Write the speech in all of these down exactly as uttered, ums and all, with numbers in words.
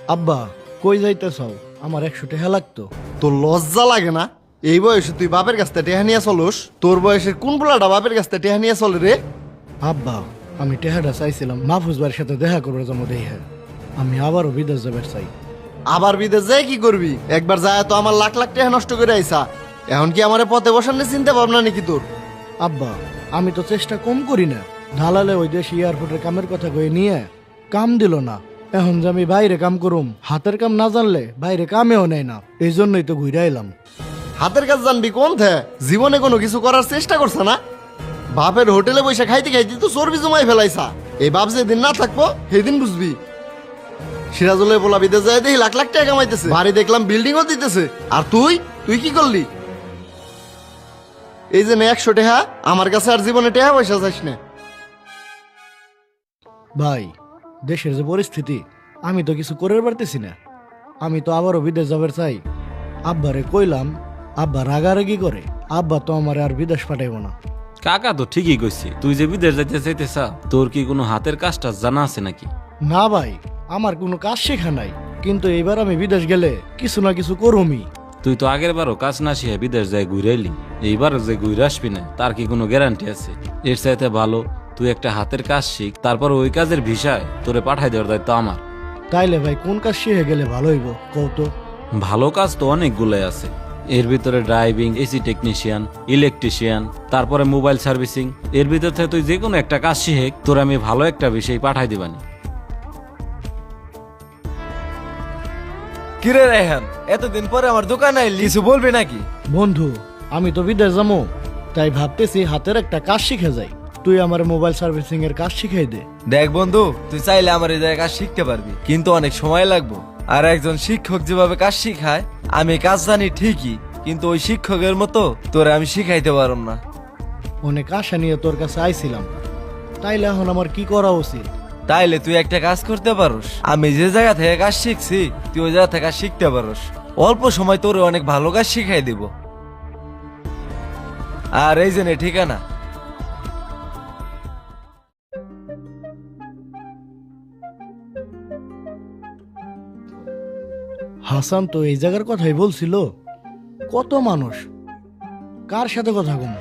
আব্বা কই যাইতেছাও? আমার একশো টাকা লাগতো। তোর লজ্জা লাগে না? এই বয়সে তুই বাপের কাছ থেকে টেহা নিয়ে চলোস? তোর বয়সের কোন পোলাটা বাপের কাছ থেকে টেহা নিয়ে চলে রে? আব্বা আমি টেহাটা চাইছিলাম মাহফুজ ভাইয়ের সাথে দেখা করবার জন্য দেহে। আমি আবারও বিদেশ যাবার চাই। আবার বিদেশ যায় কি করবি? একবার যায় তো আমার লাখ লাখ টাকা নষ্ট করে আইসা। এখন কি আমার পথে বসানোর চিন্তা ভাবনা নাকি তোর? আব্বা আমি তো চেষ্টা কম করি না। ঢালালে ওই দেশ এয়ারপোর্টের কামের কথা কয়ে নিয়ে কাম দিল না। এখন যে আমি বাইরে কাম করুম, হাতের কাম না জানলে বাইরে কামেও নেয় না। এই জন্যই তো ঘুরে এলাম। হাতের কাজ জানবি কোন থে? জীবনে কোনো কিছু করার চেষ্টা করছে না? বাপের হোটেলে বসে খাইতে খাইতে তো চর্বি জমাই ফেলাইছা। এই বাপ যেদিন না থাকবো সেদিন বুঝবি। সিরাজুলের বলা বিদেশ যায় দেখি লাখ লাখ টাকা কামাইতেছে, বাড়ি দেখলাম বিল্ডিংও দিতেছে। আর তুই তুই কি করলি? এই যে একশো টাকা আমার কাছে আর জীবনে টাকা পয়সা চাইস না। ভাই দেশের যে পরিস্থিতি, আমি তো কিছু করে পারতেছি না। আমি তো আবারও বিদেশ যাবার চাই। আব্বারে কইলাম, আব্বা রাগারাগি করে। আব্বা তো আমার আর বিদেশ পাঠাইব না। কাকা তো ঠিকই কইছি, তুই যে বিদেশ যাইতে চাইতেছা, তোর কি কোনো হাতের কাজটা জানা আছে নাকি? না ভাই, আমার কোনো কাজ শেখা নাই, কিন্তু এবার আমি বিদেশ গেলে কিছু না কিছু করুমই। তুই তো আগের বারও কাজ না শিখে বিদেশ যায় ঘুরে এলি, এইবারও যে ঘুরে আসবি না তার কি কোনো গ্যারান্টি আছে? এর চাইতে ভালো তুই একটা হাতের কাজ শিখ, তারপর ওই কাজের ভিসায় তোরে পাঠাই দেওয়ার দায়িত্ব আমার। তাইলে ভাই কোন কাজ শিখে গেলে ভালো হইব কত? ভালো কাজ তো অনেকগুলোই আছে, এর ভিতরে ড্রাইভিং, এসি টেকনিশিয়ান, ইলেকট্রিশিয়ান, তারপরে মোবাইল সার্ভিসিং। এর ভিতর থেকে তুই যে কোনো একটা কাজ শিখে তোর আমি ভালো একটা বিষয় পাঠাই দিবানি। কিরে রায়হান, এতদিন পরে আমার দোকানে আইলি, কিছু বলবি নাকি? বন্ধু আমি তো বিদেশ যাবো, তাই ভাবতেছি হাতের একটা কাজ শিখে যাই। তুই আমার মোবাইল সার্ভিসিং এর কাজ শিখাই দে। দেখ বন্ধু, তুই চাইলে আমার এই জায়গায় কাজ শিখতে পারবি, কিন্তু অনেক সময় লাগবে। আর একজন শিক্ষক যেভাবে কাজ শিখায়, আমি কাজ জানি ঠিকই, কিন্তু ওই শিক্ষকের মতো তোরে আমি শিখাইতে পারব না। অনেক আশা নিয়ে তোর কাছে আইছিলাম, তাইলে এখন আমার কি করা উচিত? তাইলে তুই একটা কাজ করতে পারোস, আমি যে জায়গা থেকে কাজ শিখছি তুই ওই জায়গা থেকে কাজ শিখতে পারোস। অল্প সময় তোরে অনেক ভালো কাজ শিখাই দিব। আর এই যে নে ঠিকানা। হাসান তো এই জায়গার কথাই বলছিল। কত মানুষ, কার সাথে কথা কম?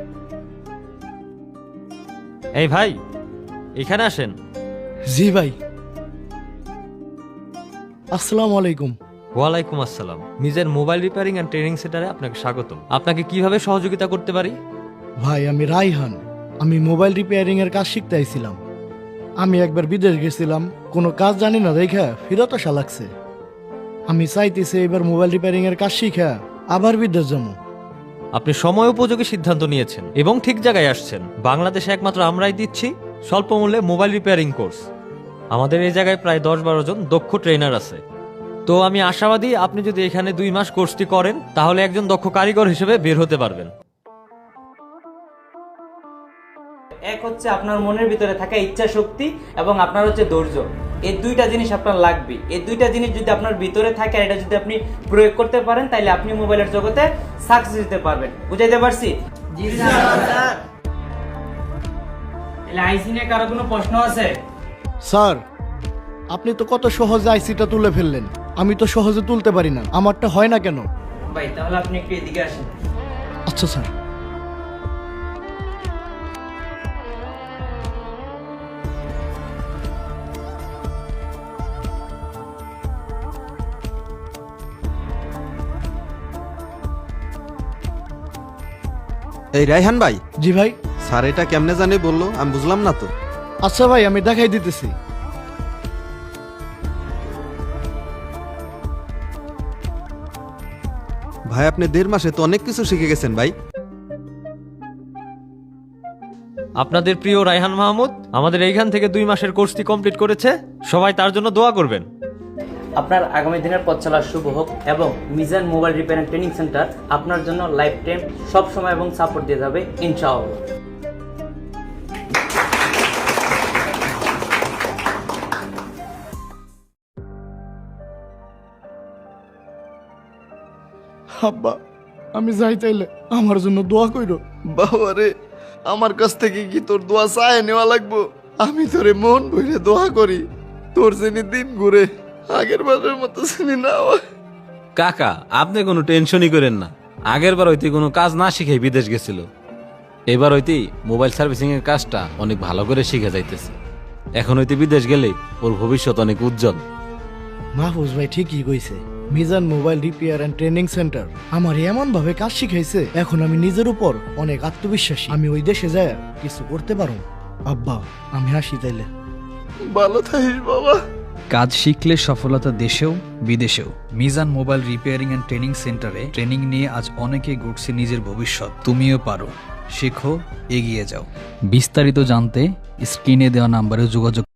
এই ভাই, এখানে আসেন। জি ভাই। আসসালামু আলাইকুম। ওয়ালাইকুম আসসালাম। নিজের মোবাইল রিপেয়ারিং অ্যান্ড ট্রেনিং সেন্টারে আপনাকে স্বাগতম। আপনাকে কিভাবে সহযোগিতা করতে পারি? ভাই আমি রাইহান, আমি মোবাইল রিপেয়ারিং এর কাজ শিখতে আইছিলাম। আমি একবার বিদেশ গেছিলাম, কোনো কাজ জানি না দেখা ফিরত আসা লাগছে। আমি চাইতেছি এবার মোবাইল রিপেয়ারিং এর কাজ শিখা আবার বিদেশ যাবো। আপনি সময় উপযোগী সিদ্ধান্ত নিয়েছেন এবং ঠিক জায়গায় আসছেন। বাংলাদেশে একমাত্র আমরাই দিচ্ছি স্বল্প মূল্যে মোবাইল রিপেয়ারিং কোর্স। আমাদের এই জায়গায় প্রায় দশ বারো জন দক্ষ ট্রেনার আছে। তো আমি আশাবাদী আপনি যদি এখানে দুই মাস কোর্সটি করেন তাহলে একজন দক্ষ কারিগর হিসেবে বের হতে পারবেন। এক হচ্ছে আপনার মনের ভিতরে থাকা ইচ্ছা শক্তি এবং আপনার হচ্ছে ধৈর্য। এই দুইটা জিনিস আপনার লাগবে। এই দুইটা জিনিস যদি আপনার ভিতরে থাকে আর এটা যদি আপনি প্রয়োগ করতে পারেন তাহলে আপনি মোবাইলের জগতে সাকসেস দিতে পারবেন। বুঝাইতে পারছি? জি স্যার। তাহলে আইসি নিয়ে কারো কোনো প্রশ্ন আছে? স্যার আপনি তো কত সহজে আইসিটা তুলে ফেললেন, আমি তো সহজে তুলতে পারি না। আমারটা হয় না কেন? ভাই তাহলে আপনি একটু এদিকে আসেন। আচ্ছা স্যার। এই রায়হান ভাই, জি ভাই। স্যার এটা কেমনে জানে বললো, আমি বুঝলাম না তো। আচ্ছা ভাই আমি দেখাই দিতেছি। ভাই আপনি দেড় মাসে তো অনেক কিছু শিখে গেছেন ভাই। আপনাদের প্রিয় রায়হান মাহমুদ আমাদের এইখান থেকে দুই মাসের কোর্সটি কমপ্লিট করেছে। সবাই তার জন্য দোয়া করবেন। আপনার আগামী দিনের পথ চলা শুভ হোক এবং Mizan mobile repairing training centre আপনার জন্য লাইফ টাইম সব সময় এবং সাপোর্ট দিয়ে যাবে ইনশাআল্লাহ। আব্বা আমি যাই তাইলে আমার জন্য দোয়া কইরো। বাবা রে, আমার কাছ থেকে কি তোর দোয়া চায় নেওয়া লাগবো? আমি তোরে মন ভরে দোয়া করি তোর যেন দিন ঘুরে। আগের বারের মতো শুনি না কাকা আপনি কোনো টেনশনই করেন না, আগের বার হইতে কোনো কাজ না শিখে বিদেশ গেছিল, এবার হইতে মোবাইল সার্ভিসিং এর কাজটা অনেক ভালো করে শিখে যাইতেছে। এখন হইতে বিদেশ গেলে ওর ভবিষ্যৎ অনেক উজ্জ্বল। মাহফুজ ভাই ঠিকই কইছে, Mizan mobile repair and training centre আমার এমন ভাবে কাজ শিখাইছে, এখন আমি নিজের উপর অনেক আত্মবিশ্বাসী। আমি ওই দেশে যায় কিছু করতে পারো। আব্বা আমি হাসি তাইলে। ভালো থাকিস বাবা। কাজ শিখলে সফলতা দেশেও বিদেশেও। Mizan mobile repairing and training সেন্টারে ট্রেনিং নিয়ে আজ অনেকে গড়ছে নিজের ভবিষ্যৎ। তুমিও পারো, শেখো, এগিয়ে যাও। বিস্তারিত জানতে স্ক্রিনে দেওয়া নাম্বারে যোগাযোগ